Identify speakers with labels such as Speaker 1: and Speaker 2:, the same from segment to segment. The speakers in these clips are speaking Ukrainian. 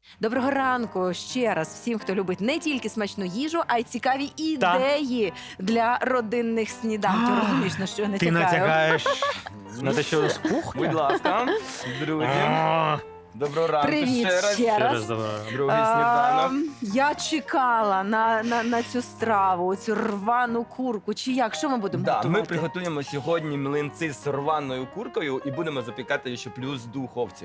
Speaker 1: Доброго ранку ще раз всім, хто любить не тільки смачну їжу, а й цікаві ідеї для родинних сніданків. Розумієш, на що я
Speaker 2: Ти
Speaker 1: натякаю?
Speaker 2: натягаєш на те, що з кухня?
Speaker 3: Будь ласка, друзі. Доброго ранку
Speaker 1: Привіт
Speaker 3: ще раз.
Speaker 1: ще раз.
Speaker 3: Другий сніданок.
Speaker 1: Я чекала на цю страву, цю рвану курку. Чи як? Що ми будемо
Speaker 3: Да,
Speaker 1: готувати?
Speaker 3: ми приготуємо сьогодні млинці з рваною куркою і будемо запікати ще плюс в духовці.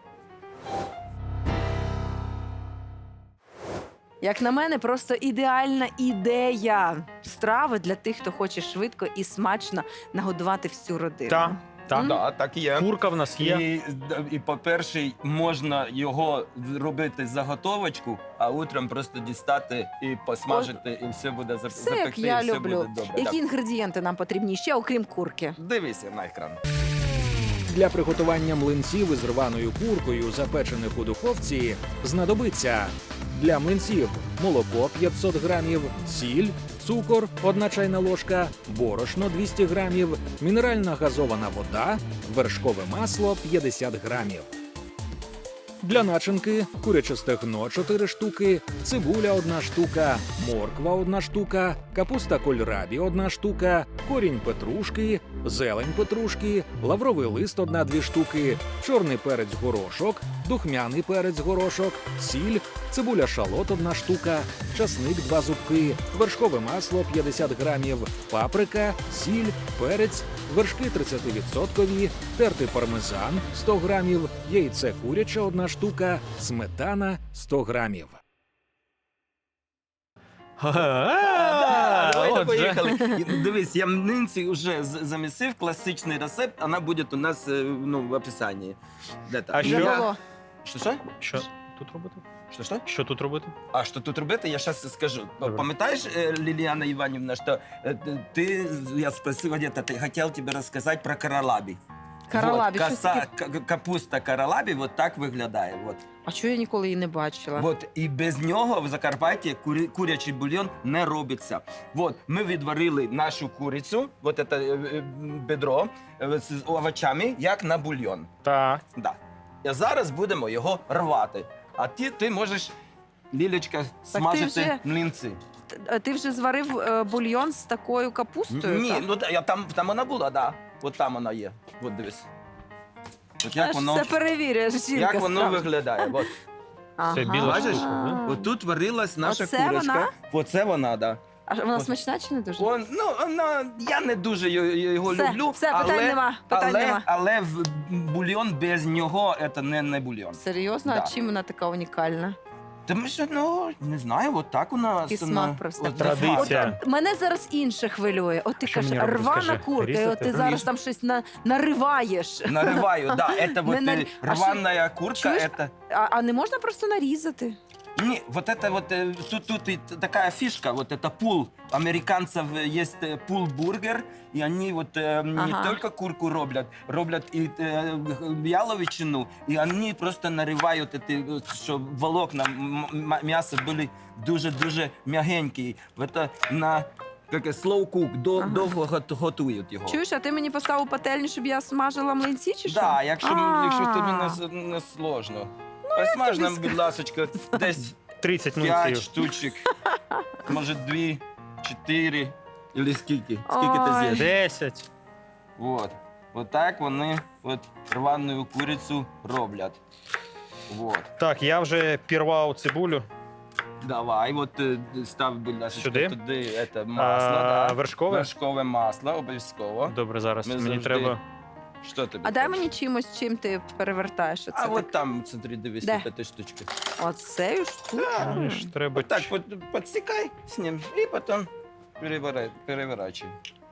Speaker 1: Як на мене, просто ідеальна ідея страви для тих, хто хоче швидко і смачно нагодувати всю родину.
Speaker 2: Так, так.
Speaker 3: Да, так і є.
Speaker 2: Курка в нас є.
Speaker 3: І по-перше, можна його робити заготовочку, а утром просто дістати і посмажити, і все буде
Speaker 1: Все,
Speaker 3: запекти,
Speaker 1: як я
Speaker 3: і все
Speaker 1: люблю.
Speaker 3: буде добре.
Speaker 1: Які
Speaker 3: Так.
Speaker 1: інгредієнти нам потрібні ще, окрім курки?
Speaker 3: Дивися на екран.
Speaker 4: Для приготування млинців із рваною куркою, запечених у духовці, знадобиться для млинців молоко 500 грамів, сіль, цукор 1 чайна ложка, борошно 200 грамів, мінеральна газована вода, вершкове масло 50 грамів. Для начинки куряче стегно 4 штуки, цибуля 1 штука, морква 1 штука, капуста кольрабі 1 штука, корінь петрушки, зелень петрушки, лавровий лист 1-2 штуки, чорний перець горошок, духмяний перець горошок, сіль, цибуля шалот 1 штука, часник 2 зубки, вершкове масло 50 грамів, паприка, сіль, перець, вершки 30%, тертий пармезан 100 грамів, яйце куряче 1 штука, сметана 100 грамів.
Speaker 3: Давайте
Speaker 2: Отже.
Speaker 3: поїхали. Дивись, я млинці вже замісив, класичний рецепт, вона буде у нас в описанні. Де там?
Speaker 2: А
Speaker 1: Вже
Speaker 2: що?
Speaker 1: було.
Speaker 3: Що?
Speaker 2: Що тут робити?
Speaker 3: Що?
Speaker 2: Що тут робити?
Speaker 3: А що тут робити, я зараз скажу.
Speaker 2: Добре.
Speaker 3: Пам'ятаєш, Ліліана Іванівна, що я спросив, где-то, ты хотел тебе рассказать про каралабі.
Speaker 1: Каралабі,
Speaker 3: Вот,
Speaker 1: щось таке.
Speaker 3: капуста каралабі вот так виглядає. Вот.
Speaker 1: А чого я ніколи її не бачила?
Speaker 3: Вот, і без нього в Закарпатті курячий бульйон не робиться. Вот, ми відварили нашу курицю, вот це бедро з овочами, як на бульйон.
Speaker 2: Так.
Speaker 3: Да. І зараз будемо його рвати. А ти можеш, Лілечка, смажити
Speaker 1: вже-
Speaker 3: млинці.
Speaker 1: Ти вже зварив бульйон з такою капустою?
Speaker 3: Ні,
Speaker 1: так?
Speaker 3: ну там вона була, да. От там вона є. От дивись. От
Speaker 1: Я
Speaker 3: як
Speaker 1: ж
Speaker 3: воно,
Speaker 1: все перевірюєш, жінка.
Speaker 3: як воно
Speaker 1: справді.
Speaker 3: виглядає. От.
Speaker 2: Це біла
Speaker 3: Бачиш?
Speaker 2: штука, да?
Speaker 3: От тут варилась наша
Speaker 1: Оце
Speaker 3: курочка.
Speaker 1: вона?
Speaker 3: Оце вона, да.
Speaker 1: А вона
Speaker 3: От.
Speaker 1: смачна чи не дуже?
Speaker 3: Я не дуже його
Speaker 1: Все,
Speaker 3: люблю,
Speaker 1: все, питань нема, питань нема.
Speaker 3: але бульйон без нього це не бульйон.
Speaker 1: Серйозно?
Speaker 3: Да.
Speaker 1: А чим вона така унікальна?
Speaker 3: Тому що, не знаю, от так у нас.
Speaker 1: І смак просто.
Speaker 2: Традиція.
Speaker 1: Мене зараз інше хвилює. От ти
Speaker 2: Що
Speaker 1: кажеш,
Speaker 2: мені робити,
Speaker 1: рвана
Speaker 2: скажи?
Speaker 1: курка, і от
Speaker 2: Різати?
Speaker 1: ти зараз
Speaker 3: Ріж.
Speaker 1: там щось нариваєш.
Speaker 3: Нариваю, да. Это
Speaker 1: Не
Speaker 3: вот
Speaker 1: нар- А
Speaker 3: рваная курка,
Speaker 1: чуєш?
Speaker 3: это...
Speaker 1: А не можна просто нарізати?
Speaker 3: Не, вот это вот, тут и такая фишка, вот это пул. Американцев есть пул-бургер, и они вот не
Speaker 1: Ага.
Speaker 3: только курку роблять и яловичину, и они просто наривають, щоб волокна м'яса були дуже-дуже м'ягенькі. Это на slow cook, довго готують його.
Speaker 1: Чуєш, а ти мені поставив пательню, щоб я смажила млинці чи що?
Speaker 3: Да, якщо тобі
Speaker 1: А.
Speaker 3: не сложно. Посмаж нам, будь ласочка, десь
Speaker 2: 30
Speaker 3: 5
Speaker 2: млинців.
Speaker 3: штучок, може 2, 4, или скільки? Скільки ти
Speaker 1: Ой.
Speaker 3: з'їш?
Speaker 2: 10.
Speaker 3: Вот. Вот так вони рвану курицю роблять. Вот.
Speaker 2: Так, я вже пірвав цибулю.
Speaker 3: Давай, став, будь ласка,
Speaker 2: Сюди?
Speaker 3: туди масло, да.
Speaker 2: Вершкове?
Speaker 3: Вершкове масло, обов'язково.
Speaker 2: Добре, зараз
Speaker 3: Ми
Speaker 2: мені
Speaker 3: завжди-
Speaker 2: треба.
Speaker 3: Що тобі?
Speaker 1: А дай
Speaker 3: треба?
Speaker 1: мені чимось, чим ти перевертаєш оце.
Speaker 3: А
Speaker 1: так?
Speaker 3: от там, смотри, дивись,
Speaker 1: Де?
Speaker 3: 5 штучки.
Speaker 1: Оцею штуку.
Speaker 2: Знаєш, треба.
Speaker 3: Так, подсекай с ним и потом переворачивай.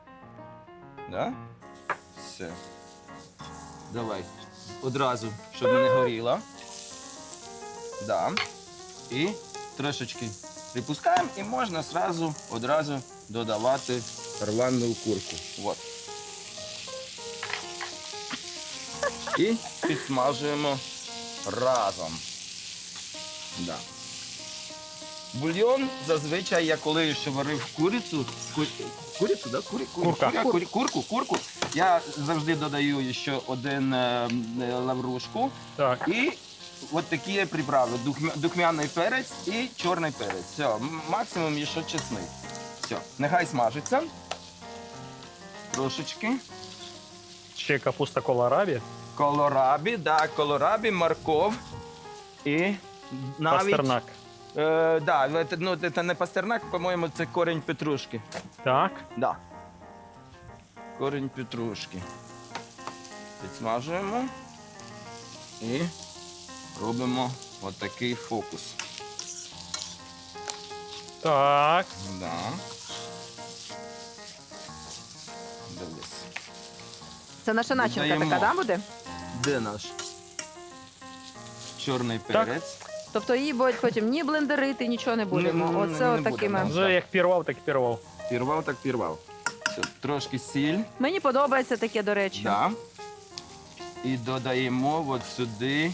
Speaker 3: Да? Все. Давай. Одразу, щоб не горіло. Да. І трошечки припускаємо і можна одразу додавати рвану курку. Вот. І підсмажуємо разом. Да. Бульйон зазвичай я коли ще варив курицю, да? Курку. Я завжди додаю ще один лаврушку
Speaker 2: Так.
Speaker 3: і от такі приправи. Духмяний перець і чорний перець. Все, максимум ще чесник. Все, нехай смажиться. Трошечки.
Speaker 2: Ще капуста колорабі.
Speaker 3: Колорабі, морков і навіть...
Speaker 2: Пастернак.
Speaker 3: Да, це не пастернак, по-моєму, це корінь петрушки.
Speaker 2: Так.
Speaker 3: Да. Корінь петрушки. Підсмажуємо і робимо отакий фокус.
Speaker 2: Так.
Speaker 3: Да. Дивись.
Speaker 1: Це наша начинка
Speaker 3: Додаємо.
Speaker 1: така, да, буде?
Speaker 3: Де наш чорний
Speaker 2: Так.
Speaker 3: перець?
Speaker 1: Тобто її будуть потім ні блендерити, нічого не будемо.
Speaker 3: Не
Speaker 1: Оце
Speaker 3: будемо.
Speaker 1: отакими.
Speaker 2: Вже як пірвав, так і пірвав.
Speaker 3: Пірвав так пірвав. Все, трошки сіль.
Speaker 1: Мені подобається таке, до речі.
Speaker 3: Да. І додаємо от сюди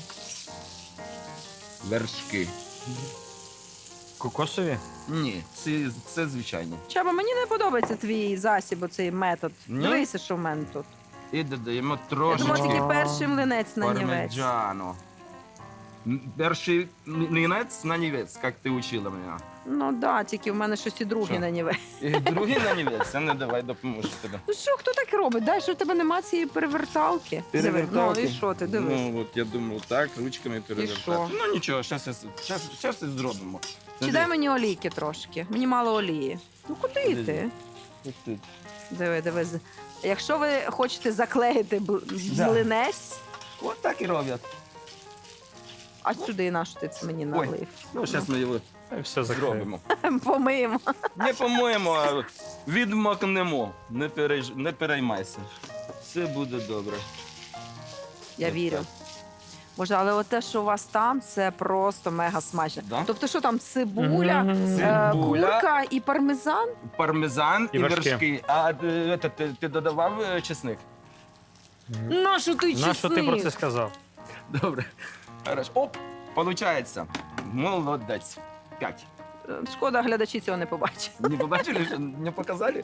Speaker 3: вершки.
Speaker 2: Кокосові?
Speaker 3: Ні, це звичайні.
Speaker 1: Чаба, мені не подобається твій засіб, оцей метод.
Speaker 3: Ні?
Speaker 1: Дивися, що в мене тут.
Speaker 3: І додаємо
Speaker 1: Я думала,
Speaker 3: трошечки
Speaker 1: тільки перший млинець на нівець.
Speaker 3: пармеджану. Перший млинець на нівець, як ти учила мене.
Speaker 1: Ну да, тільки в мене щось і другий
Speaker 3: Що?
Speaker 1: на нівець.
Speaker 3: І другий на нівець, а не давай допоможу тобі.
Speaker 1: Ну що, хто так робить? Дай, що в тебе нема цієї переверталки.
Speaker 3: Переверталки?
Speaker 1: Ну і що ти, дивись.
Speaker 3: Ну, от я думав, так, ручками
Speaker 1: що?
Speaker 3: перевертати. Ну нічого, зараз і зробимо.
Speaker 1: Чи дай мені олійки трошки? Мені мало олії. Ну куди
Speaker 3: Де?
Speaker 1: ти?
Speaker 3: Ось тут.
Speaker 1: Диви. Якщо ви хочете заклеїти
Speaker 3: Да.
Speaker 1: млинець,
Speaker 3: От так і роблять.
Speaker 1: а сюди на що ти це мені
Speaker 3: Ой.
Speaker 1: налив?
Speaker 3: Ну, зараз ми його
Speaker 2: І все закриємо.
Speaker 3: зробимо.
Speaker 1: Помиємо.
Speaker 3: Не по-моєму, а відмокнемо. Не переймайся. Все буде добре.
Speaker 1: Я
Speaker 3: От
Speaker 1: вірю.
Speaker 3: так.
Speaker 1: Боже, але от те, що у вас там, це просто мега смачно.
Speaker 3: Да?
Speaker 1: Тобто, що там цибуля,
Speaker 2: Мгм.
Speaker 3: Цибуля.
Speaker 1: курка і пармезан?
Speaker 3: Пармезан і
Speaker 2: І вершки.
Speaker 3: вершки. А ти додавав чесник?
Speaker 1: Нащо ти чесник?
Speaker 2: Нащо ти про це сказав?
Speaker 3: Добре. Хорошо. Оп, получається. Молодець. 5.
Speaker 1: Шкода, глядачі цього не побачать.
Speaker 3: Не побачили, що не показали?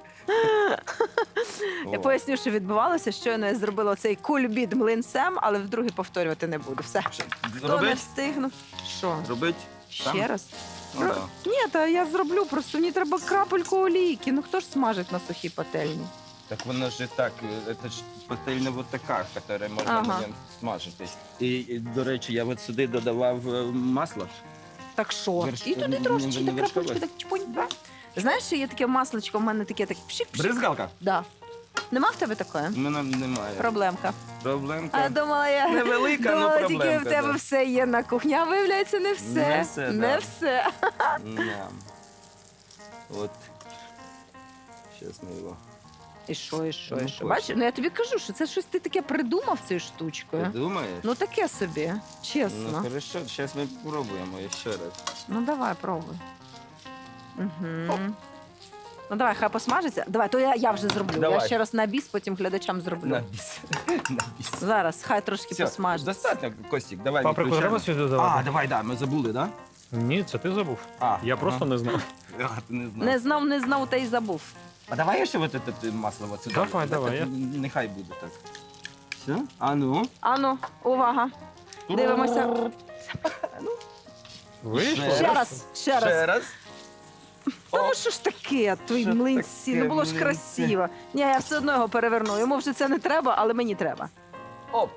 Speaker 1: Я поясню, що відбувалося. Щойно я зробила цей кульбіт млинцем, але вдруге повторювати не буду. Все. Хто не
Speaker 3: Робить?
Speaker 1: встигнув? Що?
Speaker 3: Робить?
Speaker 1: Ще раз?
Speaker 3: Ну, да.
Speaker 1: Ні, та я зроблю, просто мені треба крапельку олійки. Ну хто ж смажить на сухій пательні?
Speaker 3: Так воно ж і так, це ж пательня вот така, яка можна
Speaker 1: Ага.
Speaker 3: на ньому смажити. І, до речі, я от сюди додавав масло.
Speaker 1: Так що?
Speaker 3: Верш-
Speaker 1: І туди
Speaker 3: не
Speaker 1: трошечки, так
Speaker 3: вершкове?
Speaker 1: крапельки, так чпунь. Знаєш, що є таке масличко, в мене таке так пшик-пшик.
Speaker 3: Бризгалка?
Speaker 1: Да. Нема в тебе такої?
Speaker 3: У мене немає.
Speaker 1: Проблемка.
Speaker 3: Проблемка.
Speaker 1: А думала я.
Speaker 3: Невелика,
Speaker 1: думала,
Speaker 3: але
Speaker 1: тільки
Speaker 3: проблемка.
Speaker 1: в тебе все є на кухні, а виявляється, не все.
Speaker 3: Не все,
Speaker 1: Не
Speaker 3: да.
Speaker 1: все.
Speaker 3: Да. От. Щас ми його
Speaker 1: І що?
Speaker 3: Ну,
Speaker 1: Бачиш,
Speaker 3: точно.
Speaker 1: ну я тобі кажу, що це щось ти таке придумав цією штучкою.
Speaker 3: думаєш?
Speaker 1: Ну таке собі,
Speaker 3: Ну,
Speaker 1: чесно.
Speaker 3: хорошо, зараз ми спробуємо ще раз.
Speaker 1: Ну давай, пробуй. Угу. Ну давай, хай посмажиться. Давай, то я вже зроблю.
Speaker 3: Давай.
Speaker 1: Я ще раз на біс, потім глядачам зроблю.
Speaker 3: На біс. На біс.
Speaker 1: Зараз, хай трошки
Speaker 3: Все,
Speaker 1: посмажиться.
Speaker 3: достатньо, Костік, давай
Speaker 2: Паприку
Speaker 3: виключаємо.
Speaker 2: треба сюди
Speaker 3: А,
Speaker 2: додавати?
Speaker 3: давай, да, ми забули, да?
Speaker 2: Ні, це ти забув.
Speaker 3: А,
Speaker 2: Я просто не знав.
Speaker 3: А, ти не знав.
Speaker 1: Не знав, та й забув.
Speaker 3: А давай ще вот это масло вот сюди.
Speaker 2: Давай,
Speaker 3: Так, нехай буде так. Все? А ну?
Speaker 1: Ану, увага. Дивимося.
Speaker 2: Вийшло?
Speaker 3: Ще
Speaker 1: Ще раз, ще раз.
Speaker 3: Ще раз.
Speaker 1: Та ну що ж таке, твої
Speaker 3: Що
Speaker 1: млинці,
Speaker 3: таке,
Speaker 1: ну було ж
Speaker 3: млинці?
Speaker 1: красиво. Ні, я все одно його переверну. Йому вже це не треба, але мені треба.
Speaker 3: Оп.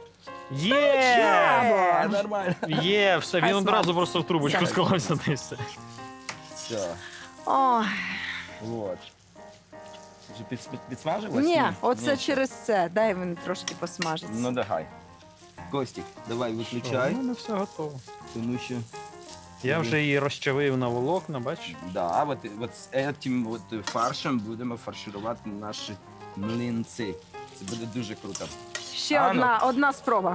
Speaker 2: Є!
Speaker 3: Нормально.
Speaker 2: Є, все,
Speaker 1: Хай
Speaker 2: він одразу
Speaker 1: смажиться.
Speaker 2: просто в трубочку
Speaker 1: Все.
Speaker 2: склався та й все.
Speaker 3: Все.
Speaker 1: Ой,
Speaker 3: Вот. Вже підсмажилось?
Speaker 1: ні, оце
Speaker 3: Ні.
Speaker 1: через це. Дай він трошки посмажиться.
Speaker 3: Ну давай. Костік, давай виключай,
Speaker 2: У мене все готово.
Speaker 3: тому що...
Speaker 2: Я вже її розчавив на волокна, бачиш?
Speaker 3: Да, от з цим от фаршем будемо фарширувати наші млинці. Це буде дуже круто.
Speaker 1: Ще
Speaker 3: А, ну.
Speaker 1: одна спроба.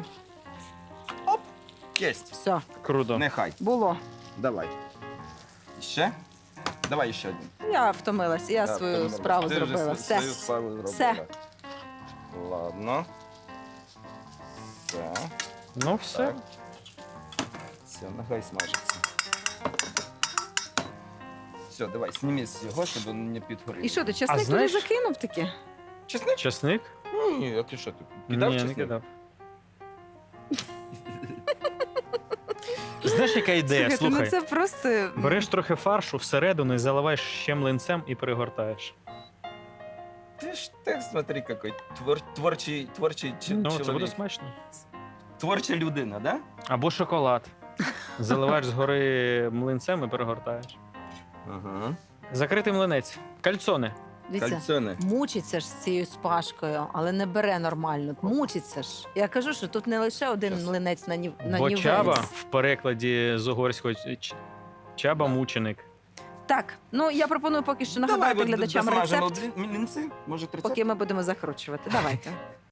Speaker 3: Єсть.
Speaker 1: Все,
Speaker 2: Круто.
Speaker 3: Нехай.
Speaker 1: було.
Speaker 3: Давай. Ще? Давай ще один.
Speaker 1: Я втомилась, я свою
Speaker 3: втомилась.
Speaker 1: справу
Speaker 3: Ти вже
Speaker 1: зробила. Все.
Speaker 3: Свою справу зробила.
Speaker 1: Все.
Speaker 3: Ладно. Все.
Speaker 2: Ну все.
Speaker 3: Так. Все, нехай смажиться. Все, давай, зніми з його, щоб він не підгорів.
Speaker 1: І що, ти чесник туди
Speaker 2: знаєш-
Speaker 1: закинув таки?
Speaker 3: Чесник?
Speaker 2: Чесник?
Speaker 3: Ні, а ти що, ти кидав
Speaker 2: Ні, не
Speaker 3: чесник?
Speaker 2: кидав. Знаєш, яка ідея?
Speaker 1: Слухайте,
Speaker 2: Слухай.
Speaker 1: ну це просто...
Speaker 2: Береш трохи фаршу всередину і заливаєш ще млинцем і перегортаєш.
Speaker 3: Ты смотри, какой творчий
Speaker 2: Ну,
Speaker 3: чоловік.
Speaker 2: це буде смачно.
Speaker 3: Творча людина, да?
Speaker 2: Або шоколад. Заливаєш згори млинцем і перегортаєш.
Speaker 3: Ага.
Speaker 2: Закритий млинець. Кальцони.
Speaker 1: Дивіться,
Speaker 3: Кальцони.
Speaker 1: мучиться ж з цією спашкою, але не бере нормально. Мучиться ж. Я кажу, що тут не лише один млинець на
Speaker 2: Бо
Speaker 1: нівець.
Speaker 2: чаба в перекладі з угорського чаба мученик.
Speaker 1: Так, ну я пропоную поки що
Speaker 3: Давай
Speaker 1: нагадати глядачам
Speaker 3: досмажимо
Speaker 1: рецепт,
Speaker 3: млинці. Може, рецепт?
Speaker 1: поки ми будемо закручувати. Давайте.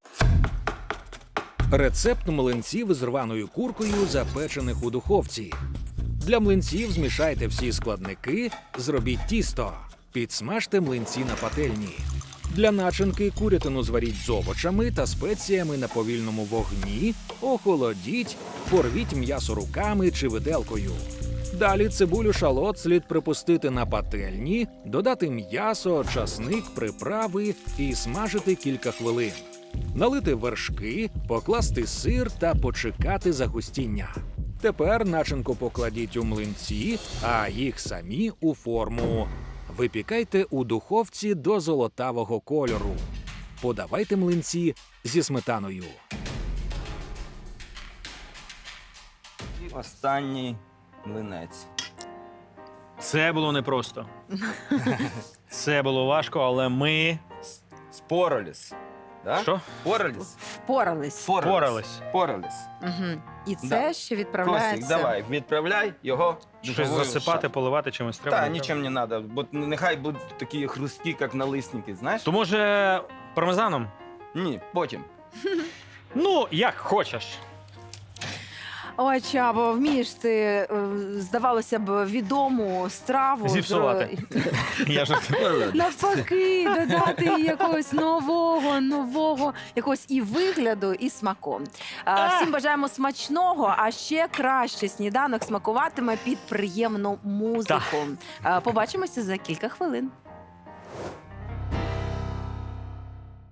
Speaker 4: Рецепт млинців з рваною куркою, запечених у духовці. Для млинців змішайте всі складники, зробіть тісто. Підсмажте млинці на пательні. Для начинки курятину зваріть з овочами та спеціями на повільному вогні, охолодіть, порвіть м'ясо руками чи виделкою. Далі цибулю шалот слід припустити на пательні, додати м'ясо, часник, приправи і смажити кілька хвилин. Налити вершки, покласти сир та почекати загустіння. Тепер начинку покладіть у млинці, а їх самі у форму. Випікайте у духовці до золотавого кольору. Подавайте млинці зі сметаною.
Speaker 3: І останній млинець.
Speaker 2: Це було непросто. Це було важко, але ми.
Speaker 3: Спороліс. Да?
Speaker 2: Що?
Speaker 3: Пороліс.
Speaker 1: Впорались.
Speaker 2: Впорались.
Speaker 3: Пороліс.
Speaker 1: Угу. І це
Speaker 3: Да.
Speaker 1: ще
Speaker 3: Костік,
Speaker 1: відправляється.
Speaker 3: давай, відправляй його в
Speaker 2: Щось
Speaker 3: духову
Speaker 2: засипати,
Speaker 3: шафу.
Speaker 2: поливати чимось треба.
Speaker 3: Та, нічим не треба, бо нехай будуть такі хрусткі, як налисники, знаєш?
Speaker 2: То може пармезаном?
Speaker 3: Ні, потім.
Speaker 2: Ну, як хочеш.
Speaker 1: Ой, Чабо, вмієш ти, здавалося б, відому страву.
Speaker 2: Зіпсувати. Я жартую.
Speaker 1: Навпаки, додати їй якогось нового, якогось і вигляду, і смаку. Всім бажаємо смачного, а ще краще сніданок смакуватиме під приємну музику. Побачимося за кілька хвилин.